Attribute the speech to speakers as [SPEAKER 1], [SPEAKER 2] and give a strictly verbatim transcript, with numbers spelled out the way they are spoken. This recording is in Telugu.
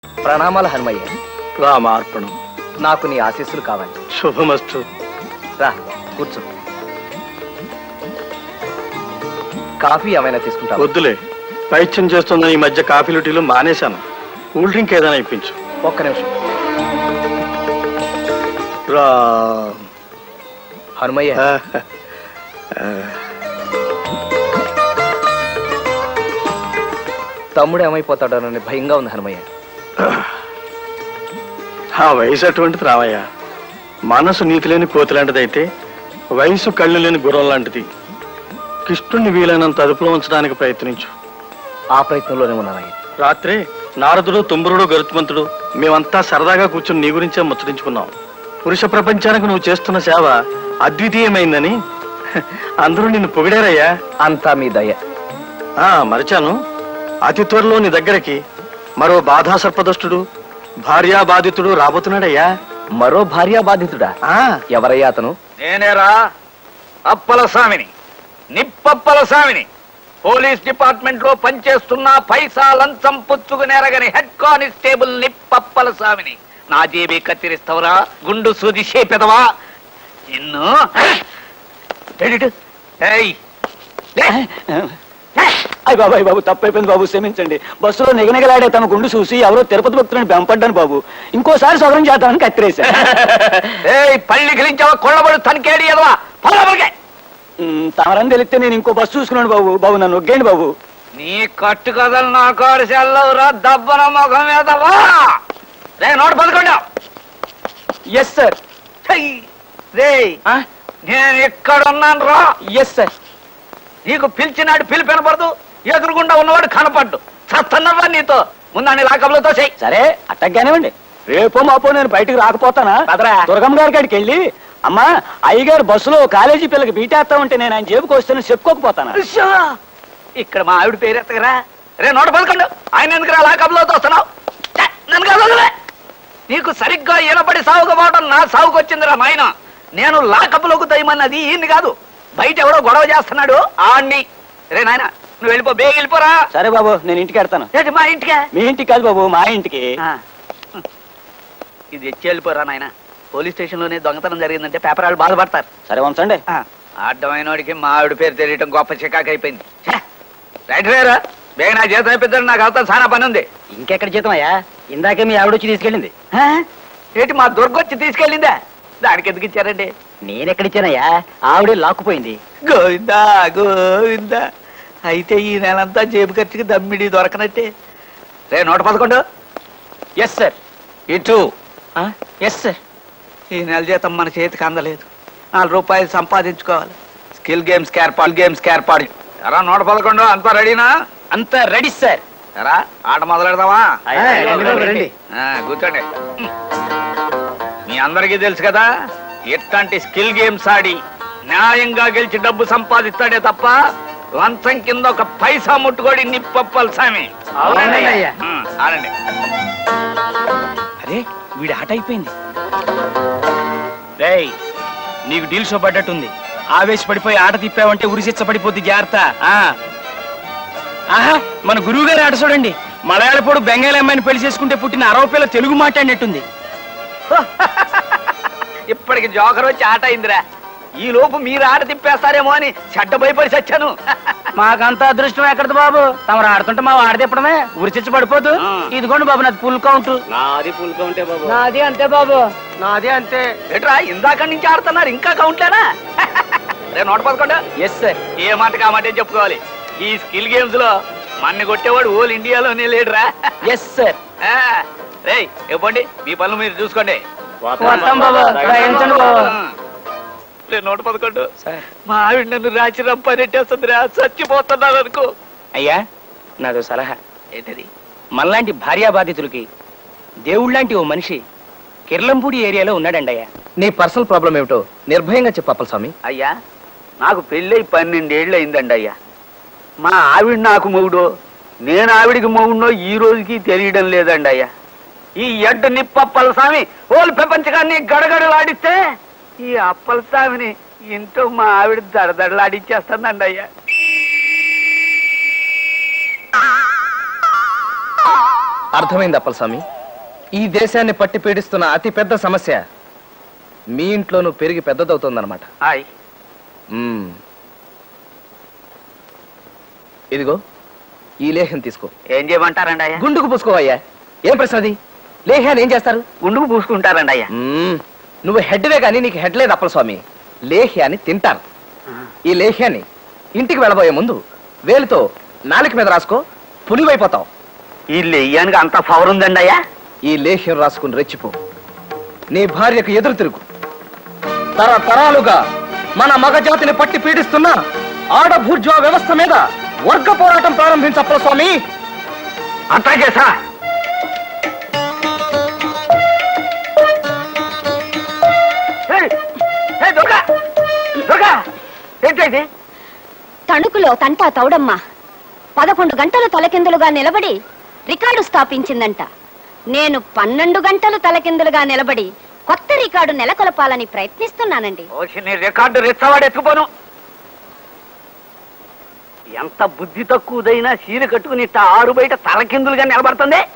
[SPEAKER 1] ప్రణామాలు హనుమయ్య.
[SPEAKER 2] రామార్పణం.
[SPEAKER 1] నాకు నీ ఆశీస్సులు కావాలి.
[SPEAKER 2] శుభమస్తు.
[SPEAKER 1] రా కూర్చో. కాఫీ ఏమైనా తీసుకుంటా?
[SPEAKER 2] వద్దులే, పైత్యం చేస్తుందని ఈ మధ్య కాఫీలు టీలు మానేశాను. కూల్ డ్రింక్ ఏదైనా ఇప్పించు.
[SPEAKER 1] ఒక్క నిమిషం.
[SPEAKER 2] రా
[SPEAKER 1] హనుమయ్య, తమ్ముడు ఏమైపోతాడోనని భయంగా ఉంది హనుమయ్య.
[SPEAKER 2] ఆ వయసు అటువంటిది రామయ్య. మనసు నీతి లేని కోతి లాంటిదైతే వయసు కళ్ళు లేని గుర్రం లాంటిది. కృష్ణుణ్ణి వీలైనంత అదుపులో ఉంచడానికి ప్రయత్నించు.
[SPEAKER 1] ఆ ప్రయత్నంలోనే ఉన్నానయ్య.
[SPEAKER 2] రాత్రి నారదుడు, తుంబురుడు, గరుత్మంతుడు మేమంతా సరదాగా కూర్చుని నీ గురించే ముచ్చరించుకున్నాం. పురుష ప్రపంచానికి నువ్వు చేస్తున్న సేవ అద్వితీయమైందని అందరూ నిన్ను పొగిడారయ్యా.
[SPEAKER 1] అంతా మీ దయ.
[SPEAKER 2] ఆ మరిచాను, అతి త్వరలో నీ దగ్గరికి మరో బాధా సర్పదష్టుడు, భార్యా బాధితుడు రాబోతున్నాడయ్యా.
[SPEAKER 1] మరో భార్యా బాధితుడా?
[SPEAKER 2] ఆ
[SPEAKER 1] ఎవరయ్యా అతను?
[SPEAKER 3] నేనేరా, అప్పల స్వామిని, నిప్పప్పల స్వామిని. పోలీస్ డిపార్ట్మెంట్ లో పనిచేస్తున్న పైసా లంచం పుచ్చుకునేరగని హెడ్ కానిస్టేబుల్ నిప్పప్పల స్వామిని. నా జేబీ కత్తిరిస్తావరా, గుండు సూది చేపెదవా నిన్ను?
[SPEAKER 4] అయ్య బాబు, అయ్య బాబు, తప్పైపోయింది బాబు, క్షమించండి. బస్సులో నిగనిగలాడే తమ గుండు చూసి ఎవరో తిరుపతి భక్తులని బెంపడ్డాను బాబు. ఇంకోసారి సవరం చేద్దామని కత్తిరేశా.
[SPEAKER 3] పళ్ళి గిలించావా, కొళ్ళబడు తనికేడి ఎదవా, పొలబడికే.
[SPEAKER 4] తమరని తెలిస్తే నేను ఇంకో బస్సు చూసుకున్నాను బాబు. బాబు నన్ను ఒగ్గేయండి బాబు.
[SPEAKER 3] నీ కట్టు కథలు నా కాడు సెల్లవురా, దబ్బన ముఖం మీదవా. రే నోటు పదకొండా.
[SPEAKER 4] Yes sir.
[SPEAKER 3] రే నేను ఎక్కడున్నాను రా.
[SPEAKER 4] Yes sir.
[SPEAKER 3] నీకు పిలిచినాడు పిలిపి వినపడదు, ఎదురుగుండా ఉన్నవాడు కనపడ్డు. చస్తున్నవా నీతో ముందని లాకబులతో చెయ్యి.
[SPEAKER 4] సరే అట్టగ్గానేవ్వండి. రేపో మాపో నేను బయటకు రాకపోతానా? దుర్గమ్మ గారి కాడికి వెళ్ళి, అమ్మా అయ్యగారు బస్సులో కాలేజీ పిల్లకి బీటేస్తా ఉంటే నేను ఆయన జేబుకి వస్తాను చెప్పుకోకపోతానా?
[SPEAKER 3] ఇక్కడ మా ఆవిడ పేరు ఎత్తగరా. రే నోట పదకొండు. ఆయన ఎందుకు రా లాకబులతో వస్తున్నావు? నన్ను కాదు, నీకు సరిగ్గా ఈనపడి సాగుకపోవడం నా సాగుకు వచ్చిందిరా నాయన. నేను లాకబులకు దయమన్నది ఈయన్ని కాదు, బయట ఎవడో గొడవ చేస్తున్నాడు ఆడిని. రే నాయన నువ్వు వెళ్ళిపో, బేగ వెళ్ళిపోరా.
[SPEAKER 4] సరే బాబు, నేను ఇంటికి వెళ్తాను.
[SPEAKER 3] ఏంటి మా ఇంటికే?
[SPEAKER 4] మీ ఇంటికి కాదు బాబు, మా ఇంటికి.
[SPEAKER 3] ఇది ఎచ్చి వెళ్ళిపోరా నాయన. పోలీస్ స్టేషన్ లోనే దొంగతనం జరిగిందంటే పేపర్ వాళ్ళు బాధపడతారు.
[SPEAKER 4] సరే ఉంచండి.
[SPEAKER 3] అడ్డమైనోడికి మా ఆవిడ పేరు తెలియటం గొప్ప చికాకు అయిపోయింది. రైట్ వేరా, బేగ నా జీతం అయిపోతాడు, నాకు అవుతా చాలా పని ఉంది.
[SPEAKER 4] ఇంకెక్కడ జీతం అయ్యా? ఇందాకే మీ ఆవిడ వచ్చి తీసుకెళ్ళింది.
[SPEAKER 3] ఏంటి మా దుర్గొచ్చి తీసుకెళ్ళిందా? దానికి ఎందుకు ఇచ్చారండి?
[SPEAKER 4] నేనెక్కడిచ్చానయ్యా? ఆవిడే లాక్కుపోయింది.
[SPEAKER 3] గోవిందా గోవిందా. అయితే ఈ నెలంతా జేబు ఖర్చుకి దమ్మిడి దొరకనట్టే. రే నూట పదకొండు.
[SPEAKER 4] Yes sir.
[SPEAKER 3] ఇటు.
[SPEAKER 4] Yes sir.
[SPEAKER 3] ఈ నెల జీతం మన చేతికి అందలేదు, నాలుగు రూపాయలు సంపాదించుకోవాలి. స్కిల్ గేమ్స్ ఏర్పాటు గేమ్స్ ఏర్పాటు. ఎరా నూట పదకొండు, అంతా రెడీనా?
[SPEAKER 4] అంతా రెడీ సార్.
[SPEAKER 3] ఎరా ఆట మొదలెడదామా?
[SPEAKER 4] రండి.
[SPEAKER 3] కూర్చోండి. మీ అందరికీ తెలుసు కదా, ఎట్లాంటి స్కిల్ గేమ్స్ ఆడి న్యాయంగా గెలిచి డబ్బు సంపాదిస్తాడే తప్ప లంచం కింద ఒక పైసా ముట్టుకోడి నిప్పప్పల స్వామి. ఆడండి.
[SPEAKER 4] అరే వీడి ఆట అయిపోయింది. రేయ్ నీకు డీల్ షో పడ్డట్టుంది. ఆవేశపడిపోయి ఆట తిప్పావంటే ఉరిశిచ్చ పడిపోద్ది, జాగ్రత్త. ఆహా, మన గురువు గారి ఆట చూడండి. మలయాళపోడు బెంగాలీ అమ్మాయిని పెళ్లి చేసుకుంటే పుట్టిన అరవ పిల్ల తెలుగు మాట్లాడినట్టుంది.
[SPEAKER 3] ఇప్పటికి జోకర్ వచ్చి ఆట అయిందిరా. ఈ లోపు మీరు ఆట తిప్పేస్తారేమో అని చెడ్డ భయపడి చచ్చాను.
[SPEAKER 4] మాకంత అదృష్టం ఎక్కడది బాబు? తమరు ఆడుతుంటే మా ఆడ తిప్పడమే, ఉరిచిచ్చి పడిపోదు. ఇదిగోండి బాబు నాది ఫుల్ కౌంట్.
[SPEAKER 2] నాది ఫుల్ కౌంటే బాబు.
[SPEAKER 4] నాది అంతే బాబు. నాది అంతే.
[SPEAKER 3] ఎట్రా ఇందాక నుంచి ఆడుతున్నారు, ఇంకా కౌంట్లేనా? రే నూట పదకొండు.
[SPEAKER 4] Yes sir.
[SPEAKER 3] ఏ మాట కామాటే చెప్పుకోవాలి. ఈ స్కిల్ గేమ్స్ లో మన్ని కొట్టేవాడు ఓల్ ఇండియాలోనే లేడురా.
[SPEAKER 4] Yes sir.
[SPEAKER 3] రే ఇవ్వండి, మీ పనులు మీరు చూసుకోండి. నూట పదకొండు. మా ఆవిడ నన్ను రాచి రంపనెట్టేస్తుందిరా, చచ్చిపోతున్నాను అనుకో.
[SPEAKER 4] అయ్యా నాదో సలహా.
[SPEAKER 3] ఏంటది?
[SPEAKER 4] మనలాంటి భార్యా బాధితులకి దేవుళ్ళంటి ఓ మనిషి కిర్లంపూడి ఏరియాలో ఉన్నాడండి అయ్యా.
[SPEAKER 1] నీ పర్సనల్ ప్రాబ్లం ఏమిటో నిర్భయంగా చెప్పు అప్పల స్వామి.
[SPEAKER 3] అయ్యా నాకు పెళ్ళై పన్నెండేళ్ళు అయిందండి అయ్యా. మా ఆవిడ నాకు మొగుడో, నేను ఆవిడికి మొగుడో ఈ రోజుకి తెలియడం లేదండి అయ్యా. ఈ ఎడ్డు నిప్పప్పల స్వామి ఓలు ప్రపంచకాన్ని గడగడలాడిస్తే ఈ అప్పల స్వామిని ఇంట్లో మా ఆవిడ దడదడలాడిచ్చేస్తుందండి అయ్యా.
[SPEAKER 1] అర్థమైంది అప్పలస్వామి. ఈ దేశాన్ని పట్టి పీడిస్తున్న అతి పెద్ద సమస్య మీ ఇంట్లోనూ పెరిగి పెద్దదవుతోందన్నమాట.
[SPEAKER 3] హాయ్
[SPEAKER 1] మ్మ్. ఇదిగో ఈ లేహ్యం తీసుకో.
[SPEAKER 3] ఏం చేయమంటారండి అయ్యా?
[SPEAKER 1] గుండుకు పూసుకోవయ్యా. ఏం ప్రశ్న అది? లేహ్యాన్ని ఏం చేస్తారు?
[SPEAKER 3] గుండుకు పూసుకుంటారండి అయ్యా.
[SPEAKER 1] మ్మ్. నువ్వు హెడ్వే కానీ నీకు హెడ్ లేదు అప్పలస్వామి. లేహ్యాన్ని తింటారు. ఈ లేహ్యాన్ని ఇంటికి వెళ్ళబోయే ముందు వేలుతో నాలుక మీద రాసుకో, పులివైపోతావు.
[SPEAKER 3] ఈ లెయ్యానికి అంత పవర్ ఉందండి అయ్యా?
[SPEAKER 1] ఈ లేహ్యం రాసుకుని రెచ్చిపో. నీ భార్యకు ఎదురు తిరుగు. తరతరాలుగా మన మగజాతిని పట్టి పీడిస్తున్న ఆడభూర్జా వ్యవస్థ మీద వర్గ పోరాటం ప్రారంభించప్పల స్వామి.
[SPEAKER 3] అట్లాగే సార్. ఏయ్, ఏయ్, దుర్గా! దుర్గా! ఏంటండి?
[SPEAKER 5] తణుకులో తంటా తౌడమ్మ పదకొండు గంటలు తలకిందులుగా నిలబడి రికార్డు స్థాపించిందంట. నేను పన్నెండు గంటలు తలకిందులుగా నిలబడి కొత్త రికార్డు నెలకొల్పాలని ప్రయత్నిస్తున్నానండి.
[SPEAKER 3] ఓసి నీ రికార్డు రెచ్చవాడు ఎత్తుకుపోను. ఎంత బుద్ధి తక్కువదైనా చీర కట్టుకుని ఇట్ట ఆరు బయట తలకిందులుగా నిలబడుతుంది.